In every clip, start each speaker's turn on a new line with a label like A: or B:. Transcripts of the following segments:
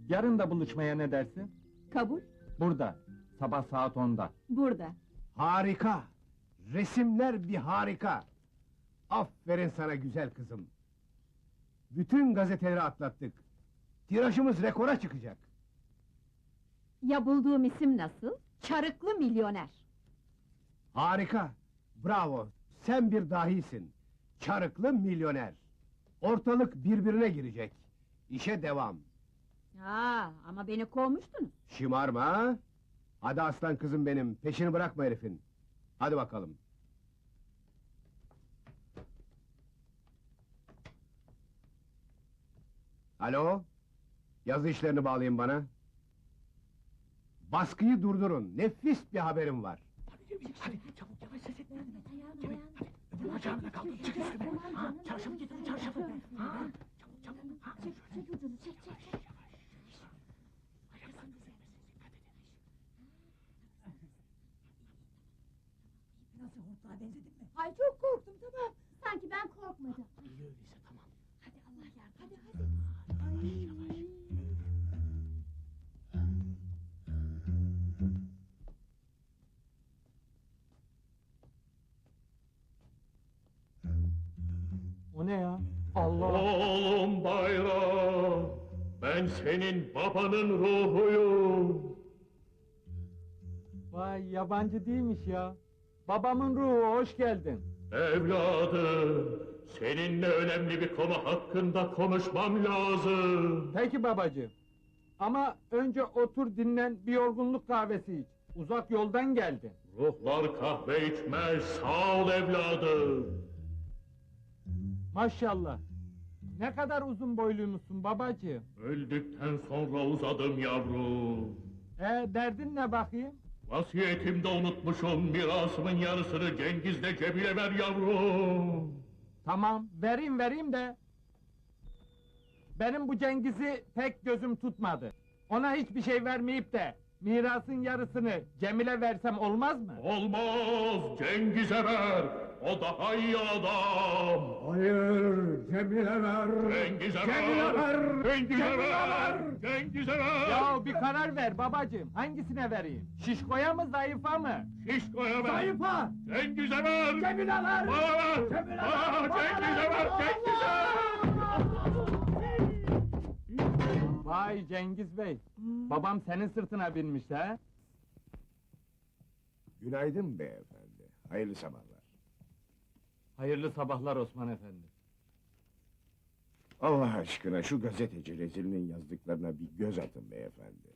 A: Yarın da buluşmaya ne dersin?
B: Kabul,
A: Burada, sabah saat 10'da.
B: burada.
C: Harika! Resimler bir harika! Aferin sana güzel kızım! Bütün gazeteleri atlattık. Tirajımız rekora çıkacak.
B: Ya bulduğum isim nasıl? Çarıklı milyoner.
C: Harika! Bravo! Sen bir dahisin. Çarıklı milyoner. Ortalık birbirine girecek. İşe devam.
B: Ama beni kovmuştunuz.
C: Şımarma ha? Hadi aslan kızım benim, peşini bırakma herifin. Hadi bakalım. Alo? Yazı işlerini bağlayın bana. Baskıyı durdurun, nefis bir haberim var.
D: Hadi çabuk yavaş ses etme. Cemil hadi öbür bacağımda kaldım. Çık üstüme. Ha, çarşafı getirin çarşafı. Ha, çabuk çabuk. Ha,
B: Çek ucunu, çek.
D: ayaklarını üzülmesin dikkat edin.
E: Nasıl hortlağa benzedim mi?
B: Ay çok korktum, tamam. Sanki ben korkmadım.
D: İyi öyleyse tamam.
B: Hadi Allah yardım. Hadi.
D: Yavaş yavaş.
A: O ne ya? Allah!
F: Oğlum bayram, ben senin babanın ruhuyum.
A: Vay, yabancı değilmiş ya. Babamın ruhu, hoş geldin.
F: Evladım, seninle önemli bir konu hakkında konuşmam lazım.
A: Peki babacığım. Ama önce otur dinlen, bir yorgunluk kahvesi iç. Uzak yoldan geldin.
F: Ruhlar kahve içmez, sağ ol evladım.
A: Maşallah. Ne kadar uzun boyluymuşsun babacığım.
F: Öldükten sonra uzadım yavrum.
A: Derdin ne bakayım?
F: Vasiyetimde unutmuşum, mirasımın yarısını Cengiz'le Cemil'e ver yavrum.
A: Tamam, vereyim de. Benim bu Cengiz'i pek gözüm tutmadı. Ona hiçbir şey vermeyip de mirasın yarısını Cemil'e versem olmaz mı?
F: Olmaz, Cengiz'e ver. O daha iyi adam.
C: Hayır, Cemile ver!
F: Cengiz'e
C: Cemile ver!
F: Cengiz'e
C: Cemile
F: ver!
C: ver!
F: Cengiz'e ver!
A: Ya bir karar ver babacığım. Hangisine vereyim? Şişkoya mı, zayıfa mı?
F: Şişko'ya ver!
C: Zayıfa!
F: Cengiz'e ver!
C: Cemile ver!
F: Bana ver!
C: Cemile
F: Bana
C: ver! Bana
F: Cengiz'e ver! Cengiz'e!
A: Vay Cengiz Bey. Babam senin sırtına binmiş ha?
C: Günaydın beyefendi, hayırlı sabahlar.
A: Hayırlı sabahlar Osman Efendi.
C: Allah aşkına şu gazeteci rezilinin yazdıklarına bir göz atın beyefendi.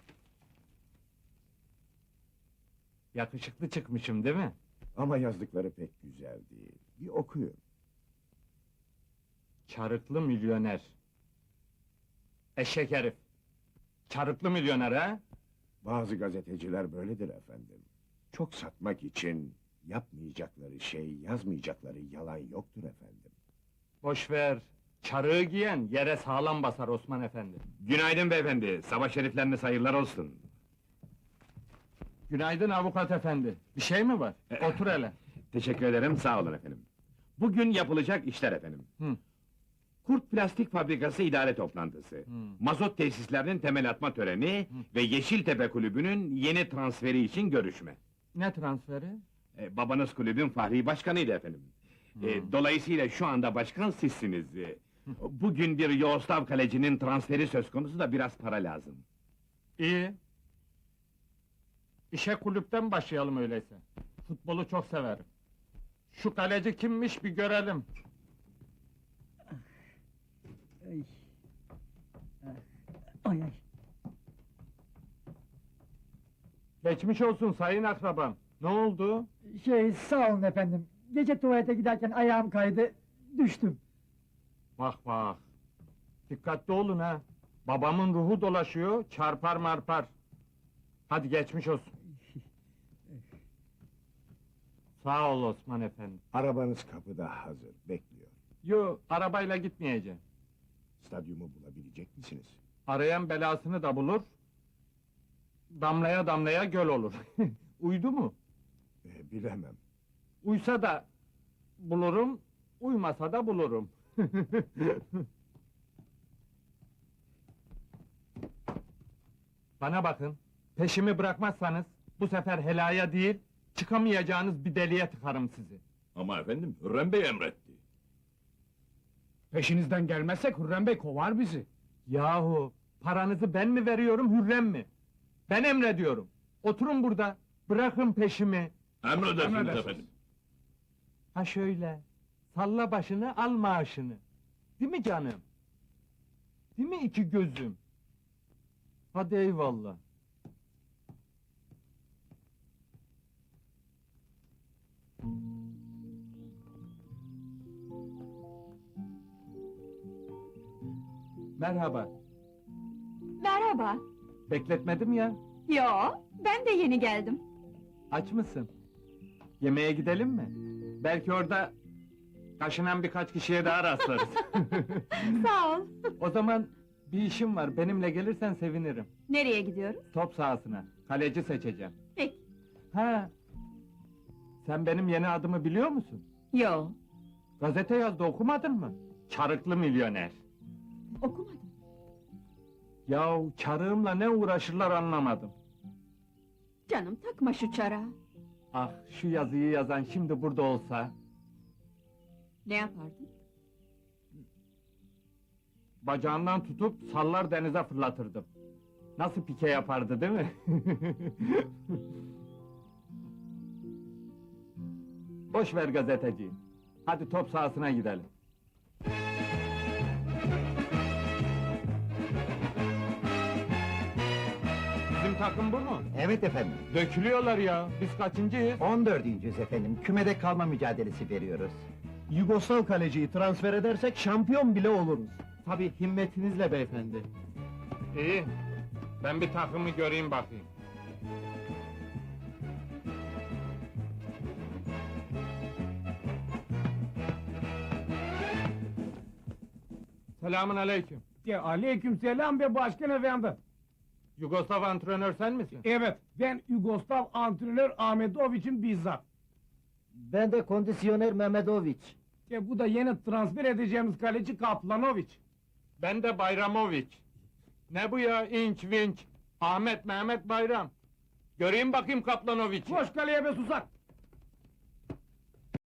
A: Yakışıklı çıkmışım değil mi?
C: Ama yazdıkları pek güzel değil. Bir okuyun.
A: Çarıklı milyoner. Eşek herif. Çarıklı milyoner ha?
C: Bazı gazeteciler böyledir efendim. Çok satmak için yapmayacakları şey, yazmayacakları yalan yoktur efendim.
A: Boş ver. Çarığı giyen yere sağlam basar Osman Efendi.
G: Günaydın beyefendi, sabah şerifleriniz hayırlar olsun.
A: Günaydın avukat efendi. Bir şey mi var? Otur hele.
G: Teşekkür ederim, sağ olun efendim. Bugün yapılacak işler efendim.
A: Hı.
G: Kurt Plastik Fabrikası idare toplantısı, mazot tesislerinin temel atma töreni ve Yeşiltepe Kulübü'nün yeni transferi için görüşme.
A: Ne transferi?
G: Babanız kulübün fahri başkanıydı efendim. Dolayısıyla şu anda başkan sizsiniz. Bugün bir Yoğuslav kalecinin transferi söz konusu da biraz para lazım.
A: İyi. İşe kulüpten başlayalım öyleyse. Futbolu çok severim. Şu kaleci kimmiş bir görelim.
E: Ay. Ay ay.
A: Geçmiş olsun sayın akrabam. Ne oldu?
E: Sağ olun efendim. Gece tuvalete giderken ayağım kaydı, düştüm.
A: Bak. Dikkatli olun ha. Babamın ruhu dolaşıyor, çarpar marpar. Hadi geçmiş olsun. Sağ ol Osman Efendi.
C: Arabanız kapıda hazır, bekliyor.
A: Yo, arabayla gitmeyeceğim.
C: Stadyumu bulabilecek misiniz?
A: Arayan belasını da bulur. Damlaya damlaya göl olur. Uydu mu?
C: Bilemem.
A: Uysa da bulurum, uymasa da bulurum. Bana bakın, peşimi bırakmazsanız, bu sefer helaya değil, çıkamayacağınız bir deliğe tıkarım sizi.
F: Ama efendim, Hürrem Bey emretti.
D: Peşinizden gelmezsek Hürrem Bey kovar bizi.
A: Yahu, paranızı ben mi veriyorum, Hürrem mi? Ben emrediyorum. Oturun burada, bırakın peşimi.
F: Emredersiniz efendim.
A: Ha şöyle, salla başını, al maaşını. Değil mi canım? Değil mi iki gözüm? Hadi eyvallah. Merhaba,
B: Merhaba.
A: bekletmedim ya.
B: Yo, ben de yeni geldim.
A: Aç mısın? Yemeğe gidelim mi? Belki orada kaşınan birkaç kişiye daha rastlarız.
B: Sağ ol.
A: O zaman bir işim var, benimle gelirsen sevinirim.
B: Nereye gidiyoruz?
A: Top sahasına, kaleci seçeceğim.
B: Peki.
A: Ha, sen benim yeni adımı biliyor musun?
B: Yo,
A: Gazete yazdı, okumadın mı? Çarıklı milyoner.
B: okumadım.
A: Yahu çarığımla ne uğraşırlar anlamadım.
B: Canım takma şu çara.
A: Ah, şu yazıyı yazan şimdi burada olsa...
B: Ne yapardın?
A: Bacağından tutup sallar denize fırlatırdım. Nasıl pike yapardı değil mi? Boş ver gazeteciyi. Hadi top sahasına gidelim. Bizim takım bu mu?
H: Evet efendim.
A: Dökülüyorlar ya. Biz kaçıncıyız?
H: 14.'yüz efendim. Kümede kalma mücadelesi veriyoruz.
D: Yugoslav kaleciyi transfer edersek şampiyon bile oluruz.
A: Tabii himmetinizle beyefendi. İyi. Ben bir takımı göreyim bakayım. Selamun aleyküm.
D: Aleykümselam be başkan efendi.
A: Yugoslav antrenör sen misin?
D: Evet, ben Yugoslav antrenör Ahmetoviç'in bizzat.
H: Ben de kondisyoner Mehmedoviç.
D: Bu da yeni transfer edeceğimiz kaleci Kaplanoviç.
A: Ben de Bayramoviç. Ne bu ya inç vinç? Ahmet Mehmet Bayram. Göreyim bakayım Kaplanoviç'i.
D: Koş kaleye be susak!